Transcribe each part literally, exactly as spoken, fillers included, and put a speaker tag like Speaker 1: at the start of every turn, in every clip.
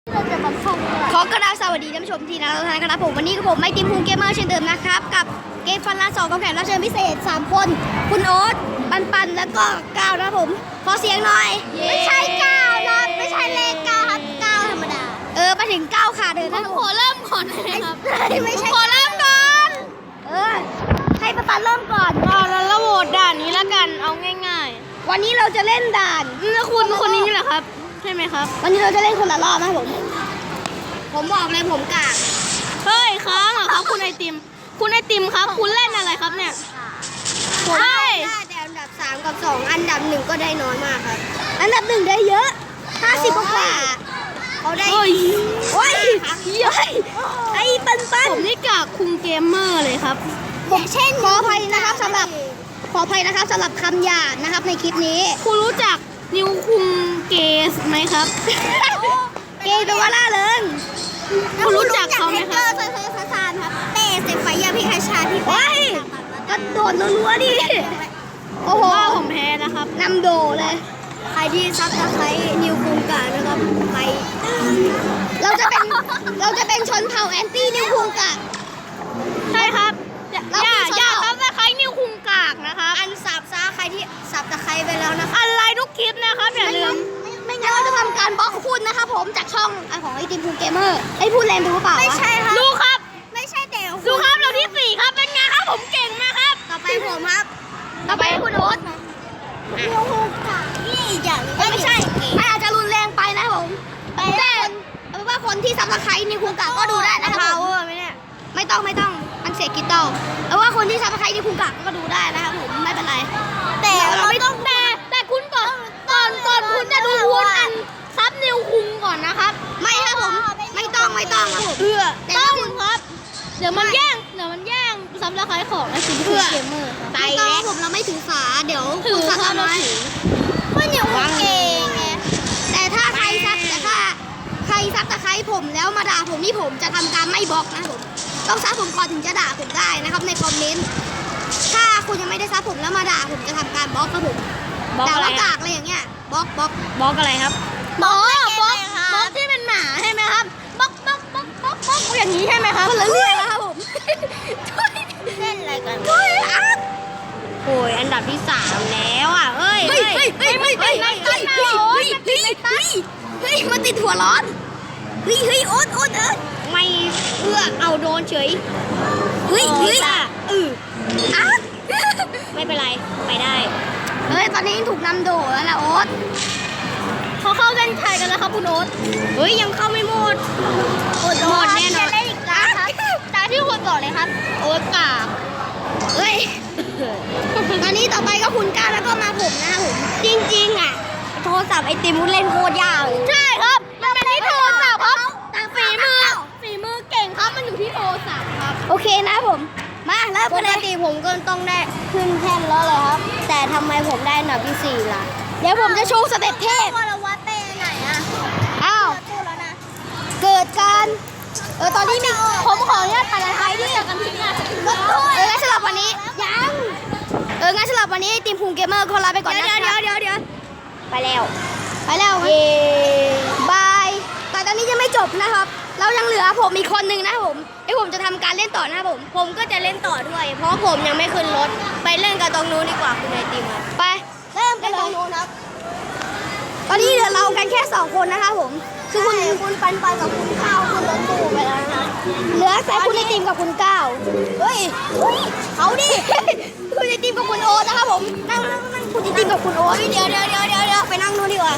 Speaker 1: ขอกราบสวัสดีท่านผู้ชมที่น่ารักทุกท่านนะครับผมวันนี้กับผมไมค์ทีมฮูเกมเมอร์เช่นเดิมนะครับกับเกมฟันล้านสองกับแขกรับเชิญพิเศษสามคนคุณโอ๊ตปันปันแล้วก็ก้าวนะครับผมขอเสียงหน่อยไม่ใช่ก้าวนะไม่ใช่เลขก้าวครับก้าวธรรมดาเออมาถึงก้าวขาเดินนะขอเริ่มก่อนนะครับไม่ใช่ขอเริ่มก่อนเออให้ปันปันเริ่มก่อน
Speaker 2: เอาแล้วเราโหวตด่านนี้แล้วกันเอาง่าย
Speaker 1: ๆวันนี้เราจะเล่นด่าน
Speaker 2: แล้วคุณคนนี้นี่แหละครับใช่ไหมครับ
Speaker 1: วันนี้เราจะเล่นคนละรอบนะผมผมบอกเลยผมกาก
Speaker 2: เฮ้ยค้างเหรอครับคุณไอติมคุณไอติมครับคุณเล่นอะไรครับเนี่ย
Speaker 1: ผมได้แต่อันดับสามกับสองอันดับหนึ่งก็ได้น้อยมากครับอันดับหนึ่งได้เยอะห้าสิบกว่าเขาได้
Speaker 2: โอ้ย
Speaker 1: โอ้ยเฮ้ยไอ้ปันปัน
Speaker 2: ผมนี่กากคุงเกมเมอร์เลยครับ
Speaker 1: ผมเช่นขออภัยนะครับสำหรับขออภัยนะครับสำหรับคำหยาบนะครับในคลิปนี้
Speaker 2: คุณรู้จักนิวคุงเกสไหมครับ
Speaker 1: เกย์แปลว่าล่าเริง
Speaker 2: คุณรู้จักเขาไหมครับ
Speaker 1: เซอร์เซอร์ซานครับเตะเสไฟยาพิคาชาที่ว้ายกระโดดรัวๆดิ
Speaker 2: โอ้โหผมแพ้นะครับ
Speaker 1: นำโดเลยใครที่ซับสไครต์นิวคุงกะนะครับใครเราจะเป็นเราจะเป็นชนเผ่าแอนตี้นิวคุงกะ
Speaker 2: ใช่ครับอย่าอย่าซับสไครต์นิวคุงกากนะคะ
Speaker 1: อันสับซะใครที่สับตะไคร้ไปแล้วนะคะ
Speaker 2: อะไรทุกคลิปนะครับอย่าลืม
Speaker 1: ไม่งั้นเราจะทำการบล็อกคุณนะคะผมจากช่องของไอทีมพูเกมเมอร์ไอพูดแรงไปหรือเปล่า
Speaker 2: ไม่ใช่ครับดูครับ
Speaker 1: ไม่ใช่เดี๋ยว
Speaker 2: ดูครับเราที่สี่ครับเป็นไงครับผมเก่งมากครับ
Speaker 1: ต่อไปผมครับต่อไปคุณโอ๊ตนิวคุงกะนี่อย่างไม่ใช่อาจจะรุนแรงไปนะผมแต่เอาเป็นว่าคนที่ซับสไครต์นิวคุงกะก็ดูได้นะครับผม
Speaker 2: ไม่เนี่ย
Speaker 1: ไม่ต้องไม่ต้องมันเสียกิตอเอาว่าคนที่ซับสไครต์นิวคุงกะก็ดูได้นะครับผมไม่เป็นไร
Speaker 2: แต่เราไม่ต้องแต่แต่คุณก่อนก่อนก่อนคุณจะดูคุณอันซับนิวคุงก่อนนะครับ
Speaker 1: ไม่ครับผมไม่ต้องไม่ต้องครับผม
Speaker 2: เพื่อต้องครับเดี๋ยวมันแย่งเดี๋ยวมันแย่งซับสไครต์ของไอซีพีเกมเมอร์
Speaker 1: ไปแล้วผมเราไม่ถือฝาเดี๋ยว
Speaker 2: ถือครับเราถือ
Speaker 1: ก็นิวคุงเองไงแต่ถ้าใครซับแต่ถ้าใครซับตะไคร้ผมแล้วมาด่าผมนี่ผมจะทำการไม่บล็อกนะผมต้องซับผมก่อนถึงจะด่าผมได้นะครับในคอมเมนต์ถ้าคุณยังไม่ได้ซับผมแล้วมาด่าผมจะทำการบล็อกครับผมด่าว่ากากอะไรอย่างเงี้ยบล็อกบล็อก
Speaker 2: บล็อกอะไรครับบล็อกบล็อกบล็อกที่เป็นหมาใช่ไหมครับบล็อกบล็อกบล็อกบล็อกบล็อกอย่างนี้ใช่ไหมครับ
Speaker 1: คนละเรื่องแล้วครับผม
Speaker 2: เล่นอะไรกัน
Speaker 1: โอ้ยอ่ะ
Speaker 2: โอ้ยอันดับที่สามแล้วอ่ะเอ้ย
Speaker 1: เฮ้ยเฮ้ยเฮ้ยเฮ้ยเฮ้ยเฮ้ยเฮ้ยเฮ้ยเฮ้ยเฮ้ยมันติดหัวร้อนเฮ้ยเฮ้ยโอ๊ตโอ๊ตเออ
Speaker 2: ไม่เอื้อเอาโดนเฉย
Speaker 1: เฮ้ยเฮ้ย
Speaker 2: เออ
Speaker 1: อ่ะ
Speaker 2: ไม่เป็นไรไปได้
Speaker 1: เฮ้ยตอนนี้ถูกนำโดดแล้วนะโอ๊ต
Speaker 2: เขาเข้ากันชัยกันแล้วครับคุณโอ๊ตเฮ้ยยังเข้าไม่หมด
Speaker 1: หมดหมดแน่นอน
Speaker 2: ตาที่คนก่อนเลยครับโอ๊ตกา
Speaker 1: เฮ้ยตอนนี้ต่อไปก็คุณก้าแล้วก็มาผมนะผม
Speaker 2: จริงๆอ่ะ
Speaker 1: โทรศัพท์ไอติมเล่นโคตรยาก
Speaker 2: ใช่ครับมันเป็นที่โทรศัพท์ครับฝีมือฝีมือเก่งครับมันอยู่ที่โทรศัพท์ครับ
Speaker 1: โอเคนะผมมาแล้ว
Speaker 2: ปกติผมก็ต้องได้ขึ้นแท่นแล้วเลยครับแต่ทำไมผมได้อันดับที่สี่ล่ะ
Speaker 1: เดี๋ยวผมจะโชว์สเต็ปเทพ
Speaker 2: ว่าเราวัดเต้ไหนอ่ะ
Speaker 1: อ้าวเกิดการเออตอนนี้มี
Speaker 2: ผมขออนุญาตถ่ายใครที่อยากกันทิ้งอ่ะ
Speaker 1: เอองั้นสำหรับวันนี้ยังเอองั้นสำหรับวันนี้ทีมพูเกมเมอร์ขอลาไปก่อนนะ
Speaker 2: เดี๋ยวเดี๋ยวเดี๋ยว
Speaker 1: ไปแล้วไปแล้วเย้บายแต่ตอนนี้ยังไม่จบนะครับเรายังเหลือผมอีกคนนึงนะผมไอ้ผมจะทำการเล่นต่อนะผม
Speaker 2: ผมก็จะเล่นต่อด้วยเพราะผมยังไม่ขึ้นรถไปเล่นกับตรงนู้นดีกว่าคุณไอติม
Speaker 1: ไปเริ่มกันตรงนู้นครับตอนนี้เหลือเรากันแค่สองคนนะคะผมคือคุณคุณปันปันกับคุณข้าวขึ้นรถตู้ไปแล้วนะเหลือแต่คุณไอติมกับคุณก้าวเฮ้ยเขาดิคุณไอติมกับคุณโอ๊ตนะคะผมนั่งนั่งนั่งคุณไอติมกับคุณโอ๊ต
Speaker 2: เดี๋ยวเดี๋ยวเดี๋ยวเดี๋ยว
Speaker 1: ไปนั่งนู้นดีกว่า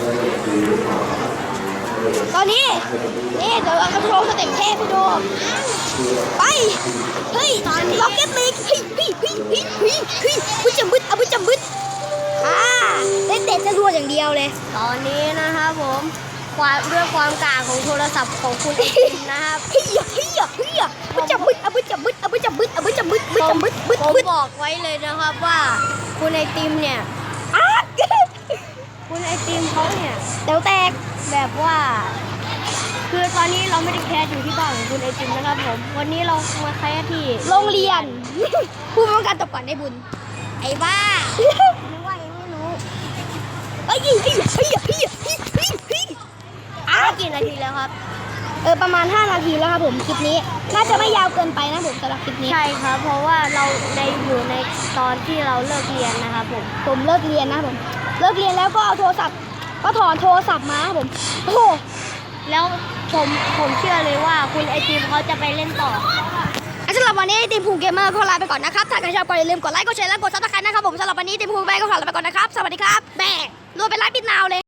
Speaker 1: ตอนนี้นี่เดี๋ยวเราจะโชว์สเต็ปเทพให้ดูไปเฮ้ยตอนล็อกเก็ตลิกเฮ้ยเฮ้ยเฮ้ยเฮ้ยเฮ้ยเฮ้ยบุจำบึดเอาบุจำบึดอ่าเล่นเตะจะรัวอย่างเดียวเลย
Speaker 2: ตอนนี้นะครับผมความด้วยความกลางของโทรศัพท์ของคุณนะครับ
Speaker 1: เฮ้ยเฮ้ยเฮ้ยบุจำบึดเอาบุจำบึดเอาบุจำบึดเอาบุจำบึดบุจำบึดบึด
Speaker 2: ผมบอกไว้เลยนะครับว่าคุณไอติมเนี่ยคุณไอติมเขาเนี่ย
Speaker 1: เดี๋ยวแตก
Speaker 2: แบบว่าคือตอนนี้เราไม่ได้แคสอยู่ที่บ้านของคุณไอติมนะครับผมวันนี้เรามาแคสที่
Speaker 1: โรงเรียนผู้ป้องกันตบก่อนได้บุญ
Speaker 2: ไอ้บ้า
Speaker 1: ไม่ว่ายังไม่รู้เฮ้ยเฮ้ยเฮ้ยเฮ้ยเฮ้ยเฮ้ยเฮ้ยอ้า
Speaker 2: กี่นาทีแล้วครับ
Speaker 1: เออประมาณห้านาทีแล้วครับผมคลิปนี้น่าจะไม่ยาวเกินไปนะผมสำหรับคลิปนี้
Speaker 2: ใช่ครับ เพราะว่าเราในอยู่ในตอนที่เราเลิกเรียนนะครับผม
Speaker 1: ผมเลิกเรียนนะผมเลิกเรียนแล้วก็เอาโทรศัพท์ก็ถอนโทรศัพท์มาครับผมโอ้โห
Speaker 2: แล้วผมผมเชื่อเลยว่าคุณไอติมเขาจะไปเล่นต่อ
Speaker 1: สำหรับวันนี้ทีมภูเกมเมอร์ก็ลาไปก่อนนะครับถ้าใครชอบก็อย่าลืมกดไลค์กดแชร์และกดซับสไครต์นะครับผมสำหรับวันนี้ทีมภูเกมเมอร์ก็ขอลาไปก่อนนะครับสวัสดีครับแม่รวยเป็นไลฟ์ปิดนาวเลย